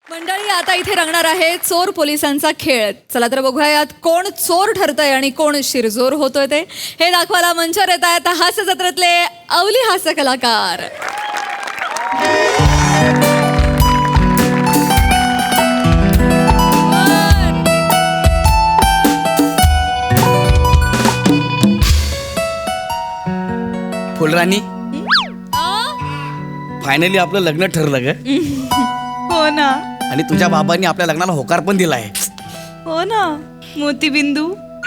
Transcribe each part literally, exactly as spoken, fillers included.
मंडळी आता इथे रंगणार आहे चोर पोलिसांचा खेळ. चला तर बघूया यात कोण चोर ठरतंय आणि कोण शिरजोर होतोय ते. हे दाखवायला मंचावर येत आहेत हास्य जत्रेतले अवली हास्य कलाकार. फुलराणी, फायनली आपलं लग्न ठरलं ग. हो ना. आणि तुझ्या बाबांनी आपल्या लग्नाला होकार पण दिलाय. हो ना. मोतीबिंदू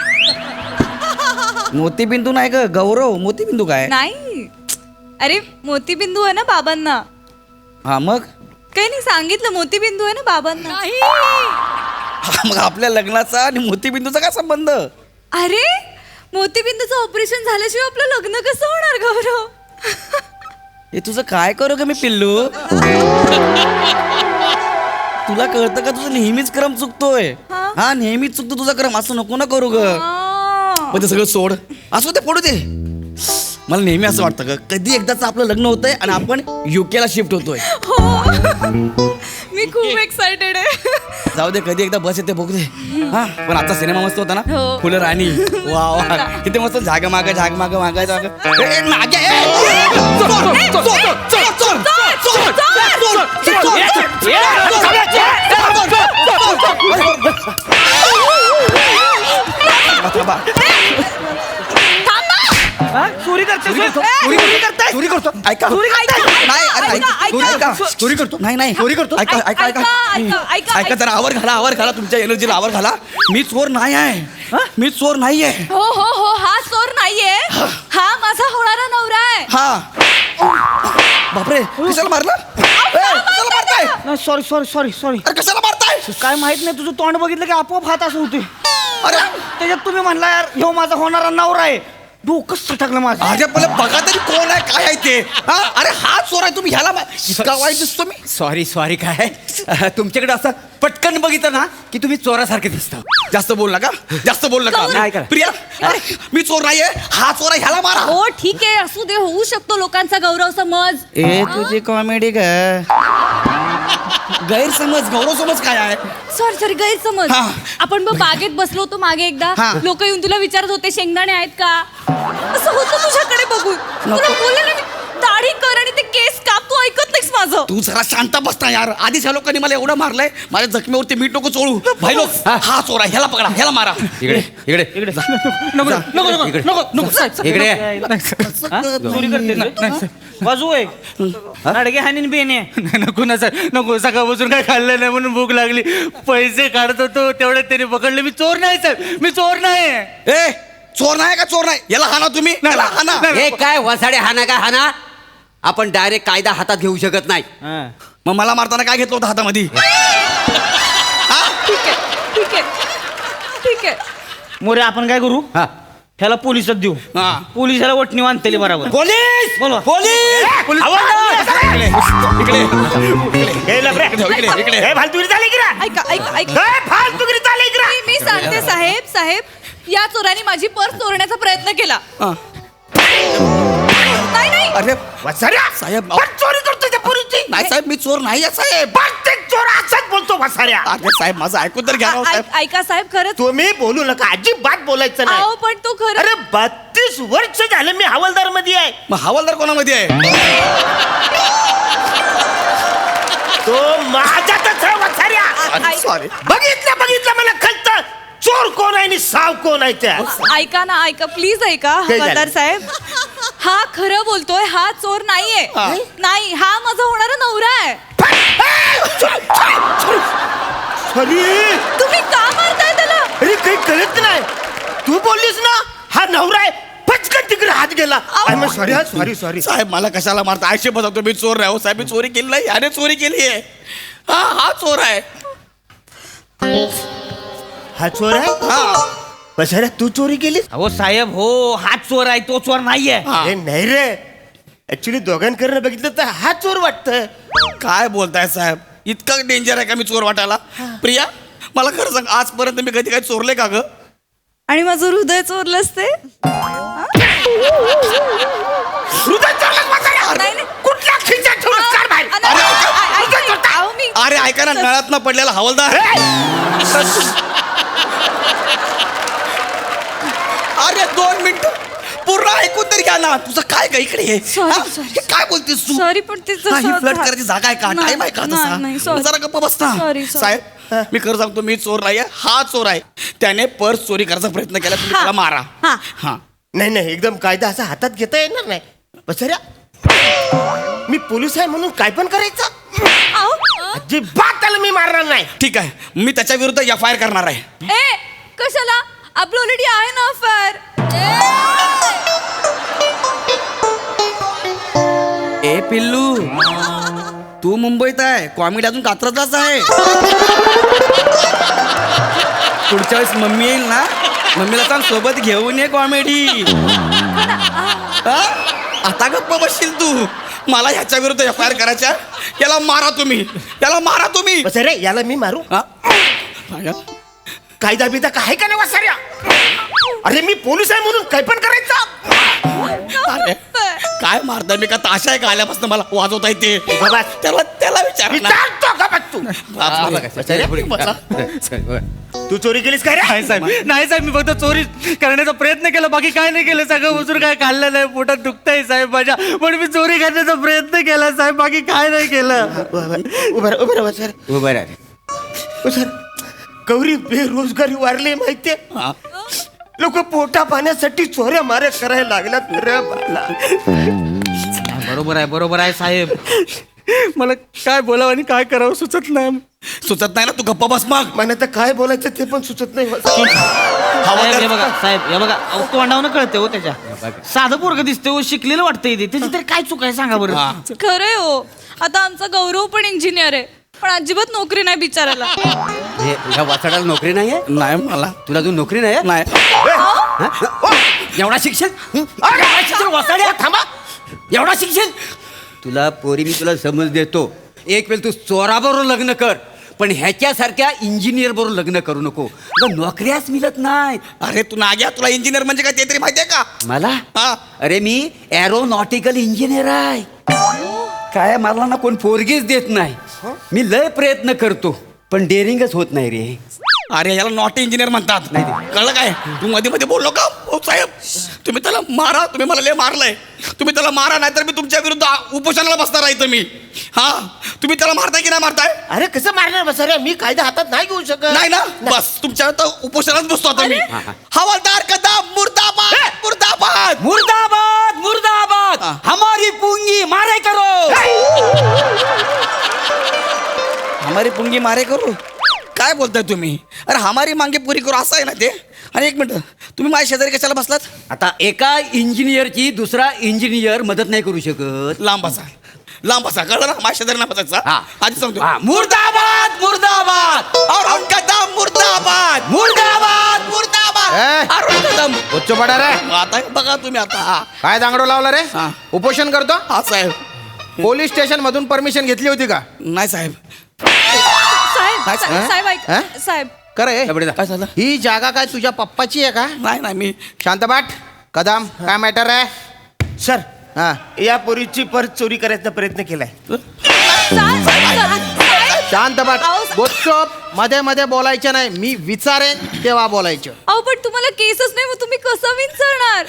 मोतीबिंदू नाही ग, गौरव. मोतीबिंदू काय? नाही. अरे मोतीबिंदू आहे ना बाबांना. हा मग काही नाही सांगितलं, मोतीबिंदू आहे ना बाबांना. हा, मग आपल्या लग्नाचा आणि मोतीबिंदूचा काय संबंध? अरे मोतीबिंदूचं ऑपरेशन झाल्याशिवाय आपलं लग्न कसं होणार गौरव? हे तुझं काय करू ग मी पिल्लू? तुला कळतं का तुझं नेहमीच क्रम चुकतोय? हा? हा नेहमीच चुकतो तुझा क्रम. असं नको ना करू ग. आ. मग ते सगळं सोड, असं ते पडू दे. मला नेहमी असं वाटतं ग, कधी एकदाच आपलं लग्न होतंय आणि आपण युकेला शिफ्ट होतोय. हो. मी खूप एक्साइटेड आहे. जाऊ दे, कधी एकदा बस येते बघू दे. हा पण आता सिनेमा मस्त होता ना. हो. फुलं राणी. वा वा, किती मस्त. झाग माग झाग माग मागा जाग. ए, ए, मागे, ए, चोर, चोर, चोर, चोर, चोर, चोर, थांबा. चोरी करते चोरी करताय? चोरी करतो. ऐका. नाही, अरे, ऐका. चोरी ऐका. चोरी करतो. नाही नाही चोरी करतो. ऐका ऐका ऐका ऐका, ऐका, ऐका जरा आवर घाला, आवर घाला. तुमच्या एनर्जीला आवर घाला. मी चोर नाही आहे. मी चोर नाहीये. हो हो हो, हा चोर नाहीये. हा माझा होणारा नवरा आहे. हा. बापरे, कशाला मारलं? ए, कशाला मारताय? नाही सॉरी सॉरी सॉरी सॉरी अरे कशाला मारताय? काय माहित नाही, तुझं तोंड बघितलं की आपोआप हात असं होते. अरे त्याच्यात तुम्ही म्हणला यार ह्यो माझा होणारा नवरा आहे. डोकं सटकलं माझं. अरे पहिले बघा तरी कोण आहे, काय आहे ते. हा अरे हा चोर आहे. तुम्ही ह्याला मा- इतका वाईट दिसतो मी. सॉरी सॉरी काय तुमच्याकडे असं पटकन बघितलं ना की तुम्ही चोरासारखे दिसता. जास्त बोल नका, जास्त बोल नाही नका. करा. प्रिया, अरे, मी चोर नाहीये. हा चोर आहे, ह्याला मारा. हो ठीक आहे, असू दे, होऊ शकतो लोकांचा गौरव समज. ए तुझी कॉमेडी ग. गैरसमज, गौरव समज काय आहे? सॉरी सॉरी, गैरसमज. हा. आपण मग बागेत बसलो होतो मागे एकदा. हा. लोक येऊन तुला विचारत होते शेंगदाणे आहेत का, असं होतं तुझ्याकडे बघून. तुला बोलले ना मी, दाढी कर आणि ते केस काप. तू ऐकत नाहीस माझं. तू जरा शांत बसता यार. आधीच ह्या लोकांनी मला एवढं मारलंय, माझ्या जखमेवरती मीठ नको चोळू. भाई लोक, हा चोर आहे, ह्याला पकडा, ह्याला मारा. इकडे इकडे इकडे नको नको नको इकडे. नको नको इकडे हा? चोरी करते ना? बाजू आहे अडगे हानीन बेने. नको ना सर, नको. सकाळपासून काय खाल्लं नाही म्हणून भूक लागली. पैसे काढत होतो तेवढ्यात त्याने पकडले. मी चोर नाही साहेब, मी चोर नाही. ए चोर नाही का चोर नाही? याला हाना तुम्ही, याला हाना. हे काय वसाडे हाना काय हाना? आपण डायरेक्ट कायदा हातात घेऊ शकत नाही. हा. मग मला मारताना काय घेतलं होतं हातामध्ये? ठीक आहे ठीक आहे ठीक आहे. मोरे आपण काय करू, हा ह्याला पोलिसात देऊ. हा. पोलिसाला वटणी बांधतेली बरोबर. पोलीस, बोलवा. Police, police. इकडे, इकडे, इकडे, इकडे. ऐका ऐका ऐका. मी- मी सांगते साहेब साहेब, या चोराने माझी पर्स चोरण्याचा प्रयत्न केला. हा. नाही नाही. अरे साहेब, चोरी करतो त्या पोरीची. नाही साहेब, मी चोर नाही आहे साहेब. प्रत्येक चोर असाच बोलतो वसाऱ्या. अरे साहेब, माझं ऐकून तर घ्या राव, साहेब. ऐ- ऐका साहेब, खरंच. तुम्ही बोलू नका, अजिबात बोलायचं नाही. अहो पण तो खरं. अरे बत्तीस वर्ष झालं मी हवालदार मध्ये आहे. मग हवालदार कोणामध्ये आहे? तो माझ्यातच आहे वसाऱ्या. ऐ- सॉरी. बघितलं बघितलं मला कळतं चोर कोण आहे आणि साव कोण आहे त्या. ऐका ना, ऐका प्लीज ऐका काय झालं? हवालदार साहेब. हा खरं बोलतोय, हा चोर नाहीये. हा. नाही, हा माझा होणारा नवरा आहे. अरे तुम्ही का मारताय त्याला? अरे काही कळत नाही. तू बोललीस ना हा नवरा आहे, पटकन तिकडे हात गेला. सॉरी सॉरी सॉरी साहेब मला कशाला मारता? आयुष्य बजावतो मी चोर नाही हो साहेब. मी चोरी केली नाही, याने चोरी केली आहे. हा हा चोर आहे. हा चोर आहे. हा बसाऱ्या तू चोरी केलीस? हो साहेब, हो हा चोर आहे, तो चोर नाहीये. हा. अरे नाही रे, ऍक्च्युली दोघांकडनं बघितलं तर हा चोर वाटतंय. काय बोलताय साहेब? इतकं डेंजर आहे का मी चोर वाटायला? प्रिया मला खरं सांग, आजपर्यंत मी कधी काय चोरले का ग? आणि माझं हृदय चोरलंच ते. हृदय चोरलंस वसाऱ्या? नाही, नाही. कुठल्या खिशात ठेवलंस? काढ बाहेर. अ- अ- अ- ऐका, अहो, मी अरे ऐका ना, नळात न पडलेला हवालदार. अरे दोन मिनिट पूर्ण ऐकून तरी घ्या ना. तुझं काय ग इकडे हे? Sorry, हा? sorry. हे काय बोलतेस तू? सॉरी पण ते हा, ही फ्लड करायची जागा आहे का? नाही, टाइम आहे का नाही, नाही, तसा? sorry. जरा गप्प बसता. Sorry, sorry. साहेब मी खरं सांगतो, मी चोर नाहीये, हा चोर आहे. त्याने पर्स चोरी करायचा प्रयत्न केला, तुम्ही हा. त्याला मारा. हा. हा नाही नाही, एकदम कायदा असा हातात घेता येणार नाही. बसऱ्या, मी पोलीस आहे म्हणून काय पण करायचं? अहो, अजिबात त्याला मी मारणार नाही. ठीक आहे, मी त्याच्या विरुद्ध एफ आय आर करणार आहे. ए कशाला? आपलं ऑलरेडी आहे ना अफेअर. ए पिल्लू, तू मुंबईत आहे, कॉमेडी अजून कात्रजलाच आहे. पुढच्या वेळेस मम्मी येईल ना, मम्मीला सांग सोबत घेऊन ये कॉमेडी. आता गप्प बसशील तू. मला ह्याच्या विरुद्ध एफ आय आर करायच्या. याला मारा तुम्ही, याला मारा तुम्ही. बसरे, याला मी मारू? हा? कायदा बिदा काय का नाही वसाऱ्या? अरे मी पोलीस आहे म्हणून काय पण करायचं? अरे काय मारता मी का? ताशा आहे का आल्यापासून मला वाजवता येते? बाबा, त्याला त्याला विचार ना. विचारतो का बघ तू? बसा. तू चोरी केलीस काय रे? नाही साहेब, नाही साहेब, मी फक्त चोरी करण्याचा प्रयत्न केला, बाकी काय नाही केलं. सगळं उचून काय खाल्लं नाही, पोटात दुखतंय साहेब माझ्या, पण मी चोरी करण्याचा प्रयत्न केला साहेब, बाकी काय नाही केलं. उभं उभं राहा सर. उभं राहा. सर, गौरी बेरोजगारी वाढली माहितीये. हा. लोक पोटा पाण्यासाठी चोऱ्या माऱ्या करायला लागल्यात रे बाला. बरोबर आहे, बरोबर आहे साहेब. मला काय बोलावं आणि काय करावं सुचत नाही. सुचत नाही ना, तू गप्पा बस मग. मला तर काय बोलायचं ते पण सुचत नाही. साहेब हे बघा, साहेब हे बघा, अहो, तोंडावनं कळते हो त्याच्या. साधं पोरग दिसते हो, शिकलेलं वाटतंय ते. त्याची तरी काय चूक आहे सांगा बरं. हा. खरंय हो. आता आमचा गौरव पण इंजिनियर आहे, पण अजिबात नोकरी नाही बिचारायला. हे ह्या वाचाडाला नोकरी नाही आहे? नाही मला तुला अजून नोकरी नाही आहे? नाही. एवढा शिक्षण एवढा शिक्षण वाचाड्या थांबा. एवढा शिक्षण. तुला पोरी मी तुला समज देतो. एक वेळ तू चोराबरोबर लग्न कर, पण ह्याच्यासारख्या इंजिनियर बरोबर लग्न करू नको. अगं, नोकऱ्याच मिळत नाहीत. अरे तू नाग्या, तुला इंजिनियर म्हणजे काय ते तरी माहितीये का? मला हा. अरे मी एरोनॉटिकल इंजिनियर आहे. काय मला ना कोण पोरगीच देत नाही. मी लय प्रयत्न करतो, पण डेअरिंगच होत नाही रे. अरे याला नॉट इंजिनियर म्हणतात. नाही. कळलं काय? तू मध्ये मध्ये बोललो का? हो साहेब, तुम्ही त्याला मारा. तुम्ही मला लय मारलंय. तुम्ही त्याला मारा, नाही तर मी तुमच्या विरुद्ध उपोषणाला बसणार आहे. तुम्ही हा तुम्ही त्याला मारताय की नाही मारताय? अरे कसं मारणार बसऱ्या? मी कायदा हातात नाही घेऊ शकत. नाही ना, बस तुमच्या उपोषणात बसतो आता मी. हवालदार कदम मुर्दाबाद, मुर्दाबाद. मुर्दाबाद मुर्दाबाद. हा. हमारी पुंगी मारे करो. हमारी पुंगी मारे करू? काय बोलताय तुम्ही? अरे हमारी मांगे पुरी करू असं आहे ना ते. आणि एक मिनिट, तुम्ही माझ्या शेजारी कशाला बसलात? आता एका इंजिनियरची दुसरा इंजिनियर मदत नाही करू शकत. लांब बसा, लांब बसा. कळलं ना? माझ्या शेजारी नाही बसायचा. हा. आधी सांगतो. हा, मुर्दाबाद मुर्दाबाद अरुण कदम मुर्दाबाद, मुर्दाबाद. मुर्दाबाद. अरुण कदम. उच्च पडा रे. आता हे बघा तुम्ही आता. काय दांगडो लावला रे? हा. उपोषण करतो. हा साहेब. पोलीस स्टेशन मधून परमिशन घेतली होती का? नाही साहेब. साहेब काय- सा- साहेब ऐक हा? साहेब. करे काय झालं? ही जागा काय तुझ्या पप्पाची आहे का? नाही नाही मी शांतबाट. कदम, काय मॅटर आहे? सर, हा. या पोरीची पर्स चोरी करायचा प्रयत्न केलाय. साहेब, साहेब. शांतबाट. अहो, गुपचूप मध्ये मध्ये बोलायचं नाही. मी विचारेन तेव्हा बोलायचं. अहो पण तुम्हाला केसच नाही, मग तुम्ही कसं विचारणार?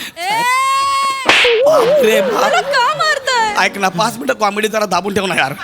बापरे बाप. मला का मारताय? ऐक ना, पाच मिनिटं कॉमेडी जरा दाबून ठेव ना यार.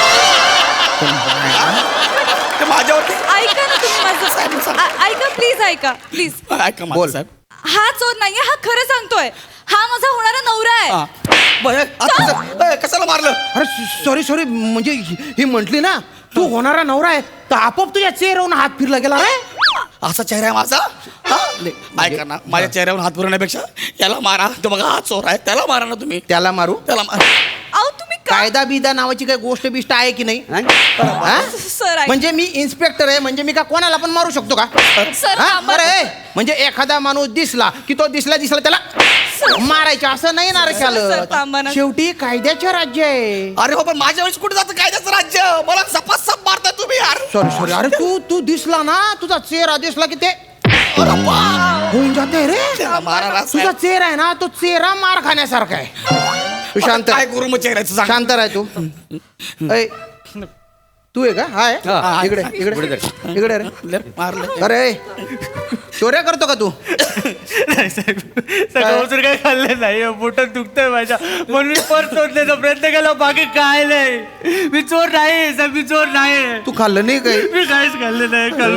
ते माझ्यावरती ऐका ना तुम्ही साहेब, माझं. साहेब. आ- ऐका प्लीज, ऐका प्लीज. ऐका माझं बोल. साहेब. हा चोर नाहीये, हा खरं सांगतोय. हा माझा होणारा नवरा आहे. हा. बरं, आता कसं- ए, कशाला मारलं? अरे सॉरी सॉरी, म्हणजे ही ही म्हंटली ना तू होणारा नवरा आहे, तर आपोआप तुझ्या चेहऱ्यावरून हात फिरला गेला रे. असा चेहरा आहे माझा? हा? ऐका ना, माझ्या चेहऱ्यावर हात फिरवण्यापेक्षा याला मारा. तो बघा हा चोर आहे, त्याला मारा ना तुम्ही. त्याला मारू? त्याला मारा. अहो तुम्ही का? कायदा बिदा नावाची काही गोष्ट बिष्ट आहे की नाही? नाही? हा? सर ऐक- म्हणजे मी इन्स्पेक्टर आहे, म्हणजे मी का कोणाला पण मारू शकतो का? सर हा? थांबा. बरं आहे. म्हणजे एखादा माणूस दिसला की तो दिसला दिसला त्याला मारायचं असं नाही ना रे सर, सर, थांबा ख्याल. ना. शेवटी कायद्याचे राज्य आहे. अरे हो, पण माझ्या वेळेस कुठे जातं कायद्याचं राज्य? मला सपासप मारताय तुम्ही यार. Sorry sorry. अरे तू तू दिसला ना, तुझा चेहरा दिसला की ते होऊन जाते रे. त्याला मारा ना तुझा साहेब. चेहरा आहे ना, तो चेहरा मार खाण्यासारखा आहे. तू शांत काय करू मग चेहऱ्याचं सांग. शांत राह तू. ऐ, तू आहे का हाय हा. इकडे इकडे पुढे इकडे रे लय मारलंय. अरे चोऱ्या करतो का तू नाही साहेब सगळं वसूर काय खाल्लं नाही पोटात दुखतंय माझ्या म्हणून मी पर्स शोधण्याचा प्रयत्न केला बाकी काय नाही मी चोर नाही साहेब मी चोर नाही तू खाल्लं नाही काही मी काहीच खाल्लं नाही काल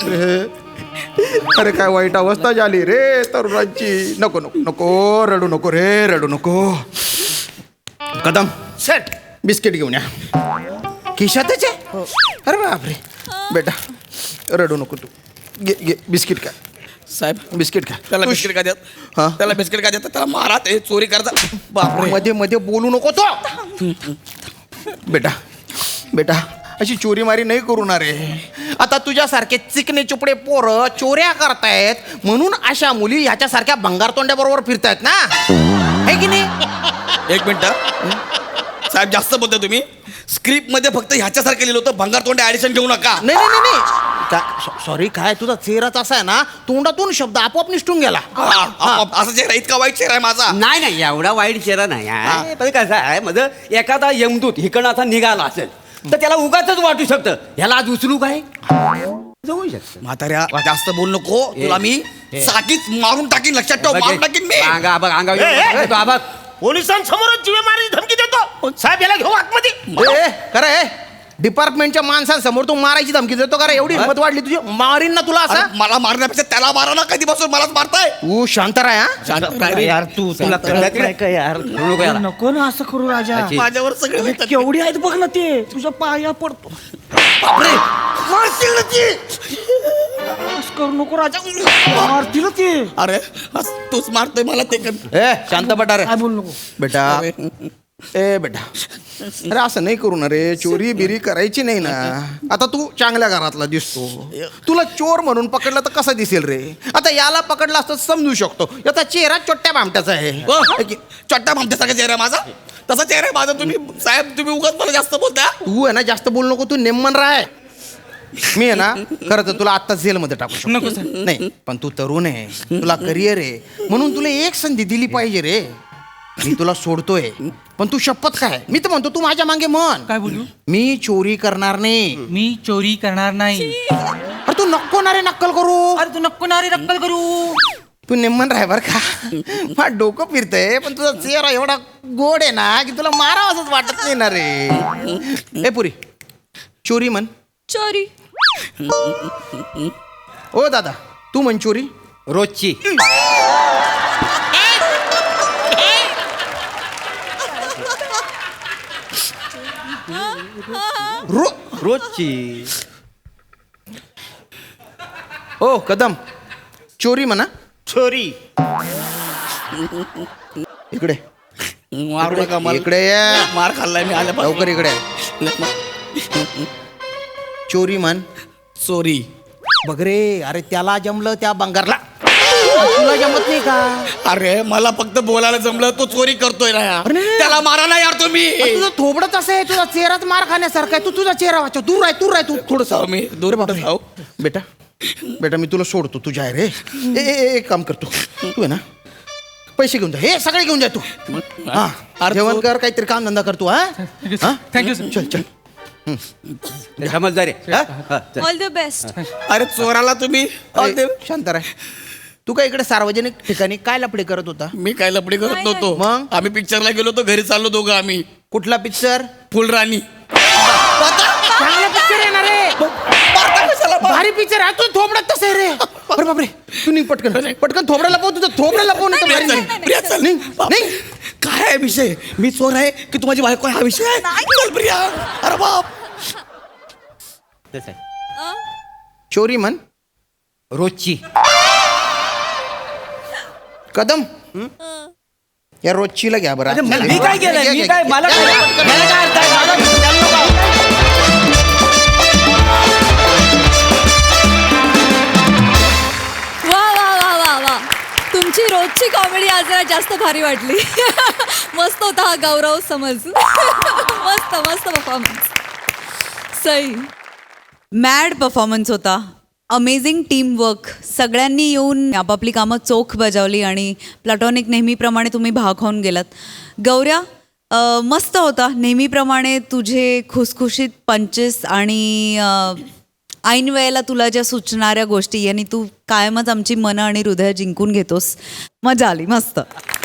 बसून अरे काय वाईट अवस्था झाली रे तरुणांची नको नको नको रडू नको रे रडू नको कदम सेट बिस्किट घेऊन या खिशातच आहे अरे बापरे बेटा रडू नको तू घे घे बिस्किट का साहेब बिस्किट का त्याला बिस्किट का हा? देत त्याला बिस्किट का देत त्याला मारा ते चोरी करता बापरे मध्ये मध्ये बोलू नको तो बेटा बेटा अशी चोरी मारी नाही करू ना रे आता तुझ्यासारखे चिकने चुपडे पोरं चोऱ्या करतायत म्हणून अशा मुली ह्याच्यासारख्या भंगारतोंड्या बरोबर फिरतायत ना है की नाही एक मिनिट साहेब जास्त बोलता तुम्ही स्क्रिप्ट मध्ये फक्त ह्याच्यासारखं लिहिलं होतं भंगार तोंडे ऍडिशन घेऊ नका नाही नाही नाही, नाही सॉरी काय तुझा चेहराच असा आहे ना तोंडातून शब्द आपोआप निसटून गेला हा, आप- असा चेहरा इतका वाईट चेहरा आहे माझा नाही नाही एवढा वाईट चेहरा नाही आहे. पण कसं आहे माझं एखादा यमदूत हिकडं आता निघाला असेल तर त्याला उगाच वाटू शकतं ह्याला आज उचलू काय जाऊ शकतं म्हाताऱ्या जास्त बोल नको तुला मी साकीच मारून टाकीन लक्षात ठेव मारून टाकीन मी अंगा बघ अंगा ए, ए, तो आबा पोलिसांसमोरच जीवे मारायची धमकी देतो साहेब याला घेऊ आतमध्ये ए, खरं आहे डिपार्टमेंटच्या माणसांसमोर तू मारायची धमकी देतो का रे एवढी हिंमत वाढली तुझी मारीन ना तुला असा अरे, मला मारण्यापेक्षा त्याला मारा ना कधीपासून मलाच मारताय तू शांत राह हा शांत राह रे. यार तू तुला कळत नाही का यार नको याला. नको ना असं करू राजा अच्छी. माझ्यावर सगळे म्हणतात. केवढी आहेत बघ ना ते तुझ्या पाया पडतो बापरे, मारतील ना ती. असं करू नको राजा मारतील ते अरे आज तूच मारतोय मला ते कर. ए शांत बटा रे काय बोल नको बेटा ए बेटा अरे असं नाही करू ना रे चोरी बिरी करायची नाही ना आता तू चांगल्या घरातला दिसतो तुला चोर म्हणून पकडलं तर कसं दिसेल रे आता याला पकडलं असतं समजू शकतो याचा चेहरा छोट्या भामट्याचा आहे ओ, चट्टा भामट्यासारखा चेहरा आहे माझा तसा चेहरा आहे माझा तुम्ही साहेब तुम्ही उगाच मला जास्त बोलता तू आहे ना जास्त बोलू नको तू नेमन राय मी आहे ना खरं तर तुला आत्ता जेलमध्ये टाकू शकतो नाही पण तू तरुण आहे तुला करिअर आहे म्हणून तुला एक संधी दिली पाहिजे रे मी तुला सोडतोय पण तू शपथ काय मी तर म्हणतो तू माझ्या मागे म्हण काय बोलू मी चोरी करणार नाही मी चोरी करणार नाही अरे तू नको ना रे नक्कल करू अरे तू नको ना रे नक्कल करू तू नेमन राह बर का मला डोकं फिरतंय पण तुझा चेहरा एवढा गोड आहे ना की तुला मारावं असंच वाटत नाही ना रे ए पुरी चोरी म्हण चोरी ओ दादा तू म्हण चोरी रोजची रो रोजची ओ कदम चोरी म्हणा चोरी इकडे मारू नका मला इकडे ये. मार खाल्लाय मी आल्या लवकर इकडे ये. चोरी म्हण चोरी बघ रे अरे त्याला जमलं त्या बंगारला तुला जमत नाही का अरे मला फक्त बोलायला जमलं तो चोरी करतोय ना यार. अरे नाही. त्याला मारा ना यार तुम्ही अरे तुझं थोबडच असं आहे तुझा चेहराच मार खाण्यासारखा आहे तू तुझा चेहरा वाचव दूर आहे दूर आहे तू थोडस जाऊ मी दूर कुठं जाऊ बेटा बेटा मी तुला सोडतो तुझ्या आहे रे ए, ए, ए, एक काम करतो तू आहे ना पैसे घेऊन जा हे सगळे घेऊन जा तू हा अरे जेवण तू- कर काहीतरी काम धंदा करतो हा हा? थँक्यू सर चल चल समजदार आहे हा? हा, चल. ऑल द बेस्ट अरे चोराला तुम्ही अरे, शांत राह तू काय इकडे सार्वजनिक ठिकाणी काय लपडे करत होता मी काय लपडी करत नाही, नव्हतो मग? आम्ही पिक्चरला गेलो होतो घरी चाललो दोघं आम्ही कुठला पिक्चर फुलराणी चांगला पिक्चर आहे ना रे भारी पिक्चर आहे तू थोबडत तसं आहे रे अरे बापरे तू निघ पटकन पटकन थोबड्याला पाहू तुझं थोबड्याला पाहू नाही प्रिया चल, प्रिया चल. नाही काय आहे विषय मी चोर आहे की तू माझी बायको आहे हा विषय आहे चल प्रिया अरे बाप तसं आहे. चोरी म्हण रोजची कदम या रोजचीला घ्या बरं अरे मला- मी काय केलंय मी काय मला घ्या, काय- घ्या, पटकन. मला काय अर्थ आहे? मला- त्यांना काय- वा वा वा वा वा तुमची रोजची कॉमेडी आज जरा जास्त भारी वाटली मस्त होता हा गौरव समज मस्त मस्त परफॉर्मन्स सई मॅड परफॉर्मन्स होता अमेझिंग टीमवर्क सगळ्यांनी येऊन आपापली कामं चोख बजावली आणि प्लॅटॉनिक नेहमीप्रमाणे तुम्ही भाग खाऊन गेलात गौऱ्या अ, मस्त होता नेहमीप्रमाणे तुझे खुसखुशीत पंचेस आणि अ, ऐन वेळेला तुला ज्या सुचणाऱ्या गोष्टी आणि तू कायमच आमची मनं आणि हृदय जिंकून घेतोस. मजा आली मस्त.